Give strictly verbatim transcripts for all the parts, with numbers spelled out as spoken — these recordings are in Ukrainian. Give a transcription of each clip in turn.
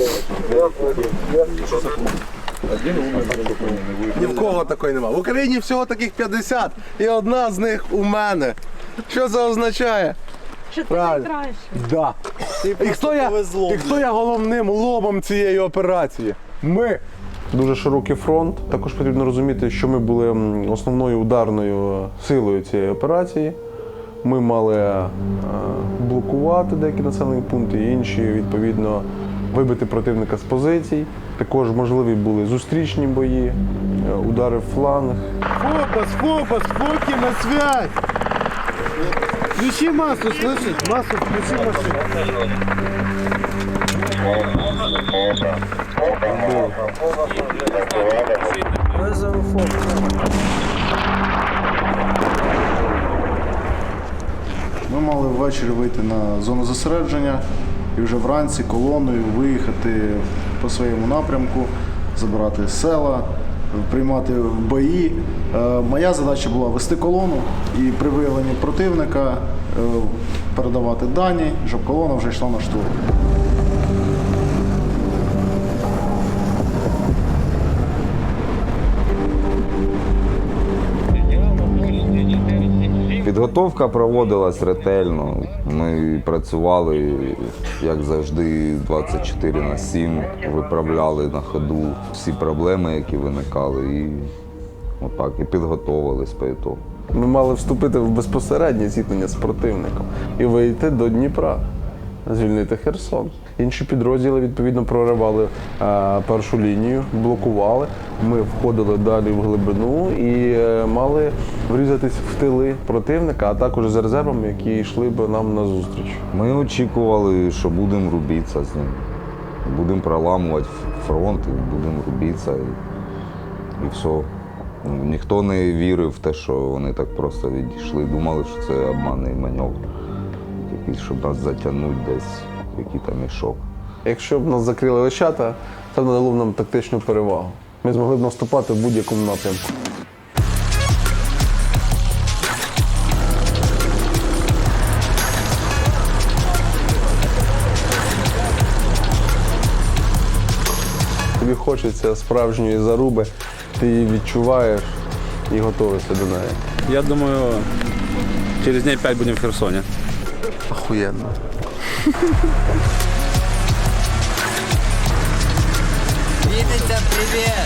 Ні в кого такої нема. В Україні всього таких п'ятдесят і одна з них у мене. Що це означає? Що ти найкраще. Да. І хто я, і хто я головним лобом цієї операції? Ми. Дуже широкий фронт. Також потрібно розуміти, що ми були основною ударною силою цієї операції. Ми мали блокувати деякі населені пункти, інші, відповідно, вибити противника з позицій. Також можливі були зустрічні бої, удари в фланг. Фокус, фокус, фоки на связь! Включи массу, слышишь? Массу включи машину. Вызову фокус. Ми мали ввечері вийти на зону зосередження і вже вранці колоною виїхати по своєму напрямку, забирати села, приймати бої. Моя задача була вести колону і при виявленні противника передавати дані, щоб колона вже йшла на штурм. Підготовка проводилась ретельно. Ми працювали, як завжди, двадцять чотири на сім, виправляли на ходу всі проблеми, які виникали, і отак, і підготовились по ітогу. Ми мали вступити в безпосереднє зіткнення з противником і вийти до Дніпра, звільнити Херсон. Інші підрозділи, відповідно, проривали а, першу лінію, блокували. Ми входили далі в глибину і а, мали врізатись в тили противника, а також з резервами, які йшли б нам на зустріч. Ми очікували, що будемо рубитися з ним. Будемо проламувати фронт, і будемо рубитися, і, і все. Ну, ніхто не вірив в те, що вони так просто відійшли. Думали, що це обманний маневр, якийсь, щоб нас затягнути десь в який там мішок. Якщо б нас закрили лещата, це надало б нам тактичну перевагу. Ми змогли б наступати в будь-якому напрямку. Тобі хочеться справжньої заруби, ти її відчуваєш і готуєшся до неї. Я думаю, через дней пять будем в Херсоне. Охуєнно. Витя, привет!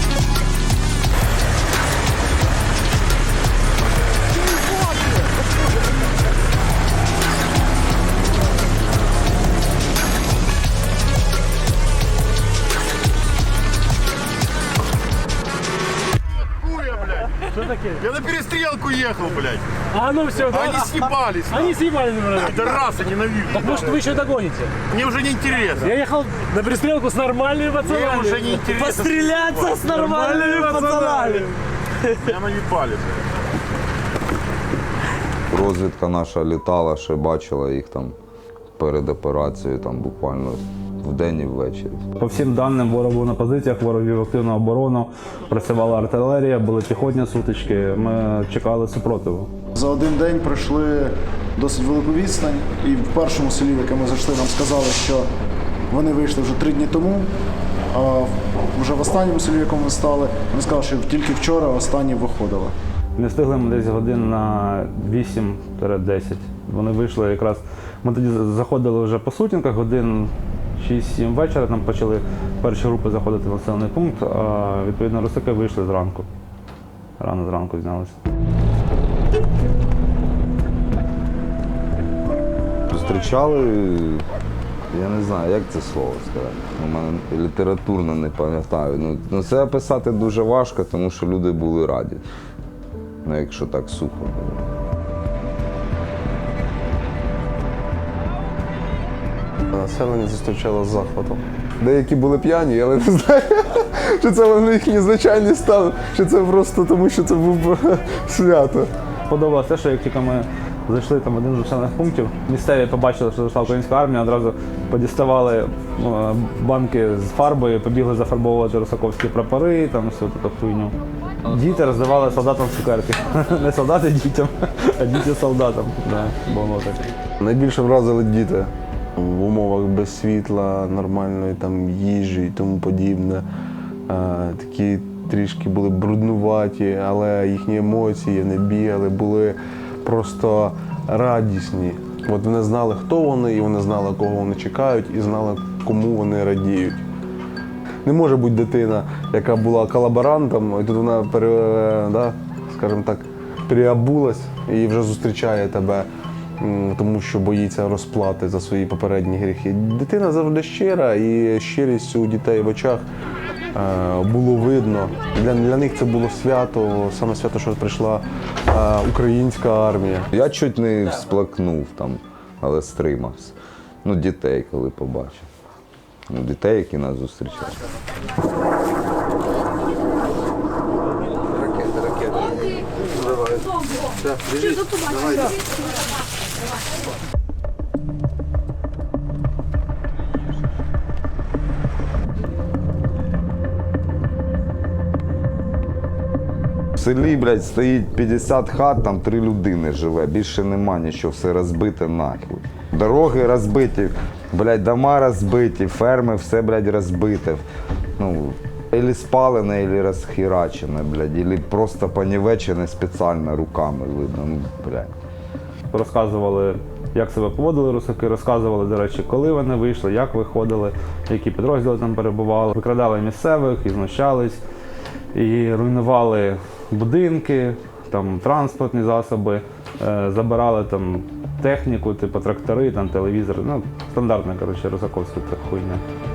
Что такие? Я на перестрелку ехал, блядь. А ну все, да? Они съебались. Они съебали, наверное. Это раз, я ненавижу. Так может вы еще догоните? Мне уже не интересно. Я ехал на перестрелку с нормальными пацанами. Мне уже не интересно. Постреляться с нормальными пацанами. Меня наебали. Розвідка наша літала, ще бачила їх там перед операцією, там буквально вдень і ввечері. По всім даним, ворог був на позиціях, ворог вів активну оборону, працювала артилерія, були піхотні сутички, ми чекали супротиву. За один день пройшли досить велику відстань, і в першому селі, в яке ми зайшли, нам сказали, що вони вийшли вже три дні тому, а вже в останньому селі, в якому ми стали, вони сказали, що тільки вчора останні виходили. Не встигли ми десь годин на вісім десять. Вони вийшли якраз, ми тоді заходили вже по сутінках, годин шість-сім вечора, там почали перші групи заходити в населений пункт, а відповідно русаки вийшли зранку. Рано зранку знялися. Зустрічали, я не знаю, як це слово сказати. У мене літературно не пам'ятаю. Ну, ну, це описати дуже важко, тому що люди були раді. Ну, якщо так сухо. Населення зустрічало з захватом. Деякі були п'яні, але не знаю, чи це вони їхній звичайний стан, чи це просто тому, що це був свято. Подобалося те, що як тільки ми зайшли там в один з населених пунктів, місцеві побачили, що зайшла українська армія, одразу подіставали банки з фарбою, побігли зафарбовувати русаковські прапори, там всю таку хуйню. Діти роздавали солдатам цукерки. Не солдати дітям, а діти солдатам. Да, було таке. Найбільше вразили діти. в умовах без світла, нормальної там їжі і тому подібне. Е, Такі трішки були бруднуваті, але їхні емоції, вони бігали, були просто радісні. От вони знали, хто вони, і вони знали, кого вони чекають, і знали, кому вони радіють. Не може бути дитина, яка була колаборантом, і тут вона, пере, да, скажімо так, переобулась і вже зустрічає тебе, м, тому що боїться розплати за свої попередні гріхи. Дитина завжди щира, і щирість у дітей в очах е, було видно. Для, для них це було свято, саме свято, що прийшла е, українська армія. Я чуть не всплакнув там, але стримався. Ну, дітей, коли побачив. Ну, дітей, які нас зустрічають. В селі, блядь, стоїть п'ятдесят хат, там три людини живе, більше нема нічого, все розбите нахуй. Дороги розбиті, блядь, дома розбиті, ферми, все, блядь, розбите. Ну, ілі спалене, ілі розхерачене, блядь, ілі просто понівечене спеціально руками видно, ну, блядь. Розказували, як себе поводили русаки, розказували, до речі, коли вони вийшли, як виходили, які підрозділи там перебували. Викрадали місцевих і знущались, і руйнували будинки, там, транспортні засоби, е, забирали там техніку, типу трактори, там, телевізори. Ну, стандартна, коротше, русаковська така хуйня.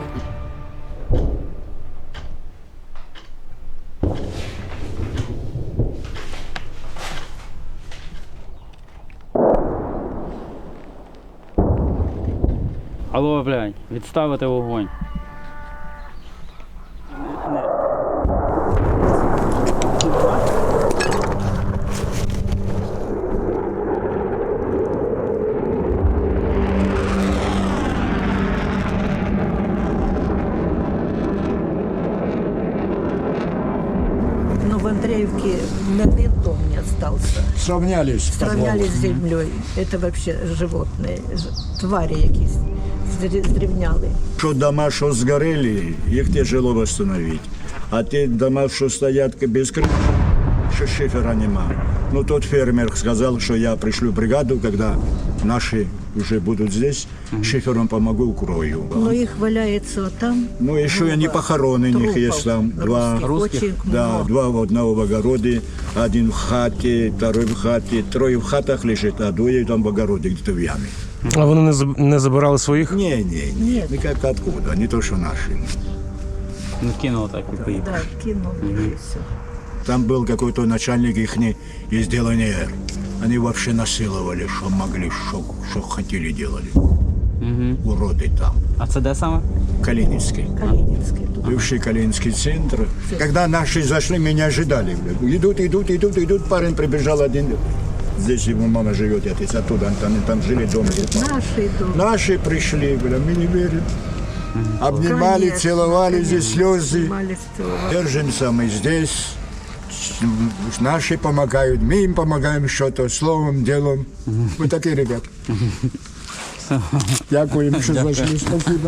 Алло, блядь, відставити вогонь. Но в Андреевке ни один дом не остался. Сравнялись. Сравнялись с землей. Это вообще животные, ж- твари якісь здрі- здрівняли. Що дома, що згорели, їх тяжело восстановить. А ті дома, що стоять без крыши, що шифера нема. Ну, тот фермер сказал, что я пришлю бригаду, когда наши уже будут здесь, шифером помогу, укрою. Но их валяется там. Ну, еще и не похороны у них есть там. Два, Очень да, много. два в одного в огороде, один в хате, второй в хате, трое в хатах лежит, а двое там в огороде, где-то в яме. А вони не заб- не забирали своїх? Не, не, не, никак откуда, не то, что наши. Ну кинуло так і поїхав. Да, кинули и все. Там был какой-то начальник их из делания. Они вообще насиловали, что могли, что, что хотели делали. Угу. Уроды там. А це де саме? Калининский. Калининский. тут. Бывший Калининский центр. Когда наши зашли, меня ожидали. Блядь. Идут, идут, идут, идут. Парень прибежал один. Здесь его мама живет, я здесь оттуда. Они там жили дома. Наши идут. Наши пришли, бля, мы не верим. Обнимали, Конечно, целовали, здесь слезы. Обнимались, целовались. Держимся мы здесь. Наши помогают, мы им помогаем что-то, словом, делом. Мы такие ребята. Дякую им, что зашли. Спасибо.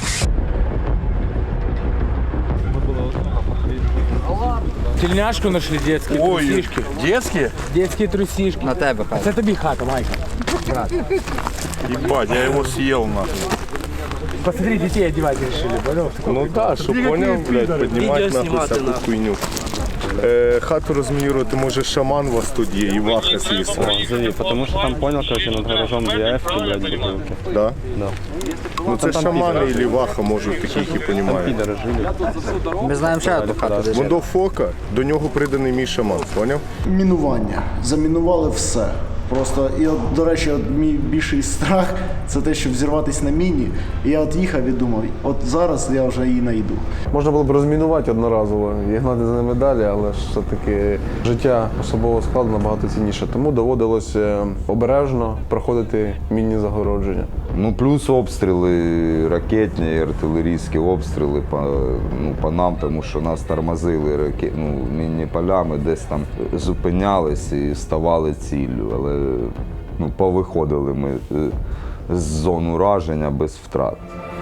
Тельняшку нашли детські, Ой, трусішки. детские? Детські трусішки. На тебе, А це тобі хата, Майка. Ебать, я его съел нахуй. Посмотри, детей одевать решили, понял? Ну да, що поняв, блядь, піднімати нахуй всяку хуйню. Е, хату розмінірувати може шаман у вас тут є, і ваха звісно. Зови, тому що там понял, короче, над гаражом ДФ, блядь, бутилки. Да? Да. Ну це шамани і ваха можуть такі, які понімають. Підери жили. Ми знаємо ще одну хату, де жили. До фока, до нього приданий мій шаман, поняв? Мінування. Замінували все. Просто, і от, до речі, от мій більший страх це те, щоб взірватися на міні. І я от їхав і думав, от зараз я вже її знайду. Можна було б розмінувати одноразово і гнати за ними далі, але ж все-таки життя особового складу набагато цінніше. Тому доводилось е, обережно проходити мінні загородження. Ну, плюс обстріли, ракетні і артилерійські обстріли по, ну, по нам, тому що нас тормозили раке... ну, мінні полями, десь там зупинялись і ставали ціллю. Але ну, повиходили ми е, з зон ураження без втрат.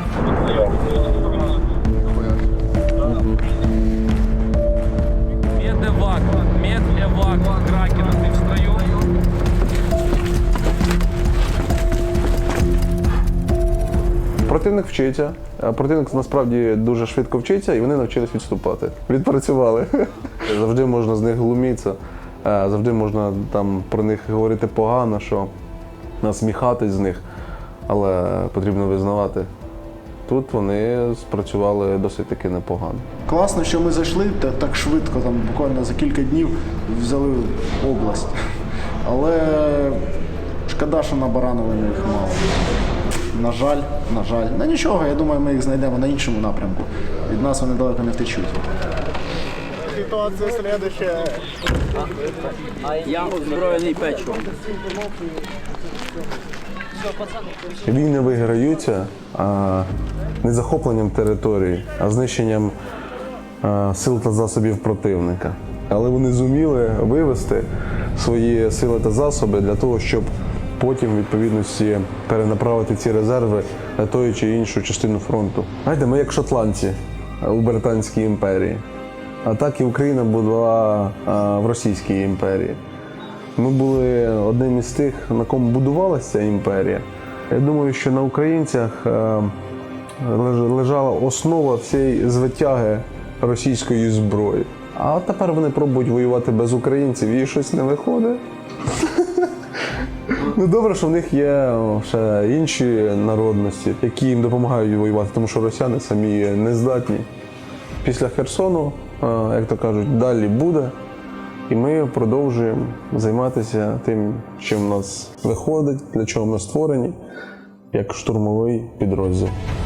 Медэвак, медэвак, Кракена, ты в строю? Противник вчиться, а противник насправді дуже швидко вчиться, і вони навчились відступати. Відпрацювали. Завжди можна з них глумитися, завжди можна там про них говорити погано, що насміхатись з них, але потрібно визнавати. Тут вони спрацювали досить таки непогано. Класно, що ми зайшли та- так швидко, там буквально за кілька днів взяли область. Але шкода, що на Баранові ми їх мало. На жаль, на жаль. Ну нічого, я думаю, ми їх знайдемо на іншому напрямку. Від нас вони далеко не втечуть. Ситуація слідуща. Я озброєний печивом. Війни виграються а, не захопленням території, а знищенням а, сил та засобів противника. Але вони зуміли вивести свої сили та засоби для того, щоб потім, в відповідності, перенаправити ці резерви на ту чи іншу частину фронту. Знаєте, ми як шотландці у Британській імперії. А так і Україна була а, в Російській імперії. Ми були одним із тих, на кому будувалася ця імперія. Я думаю, що на українцях е, леж- лежала основа всієї звитяги російської зброї. А от тепер вони пробують воювати без українців і щось не виходить. Ну добре, що в них є ще інші народності, які їм допомагають воювати, тому що росіяни самі не здатні. Після Херсону, е, як то кажуть, далі буде. І ми продовжуємо займатися тим, що в нас виходить, для чого ми створені, як штурмовий підрозділ.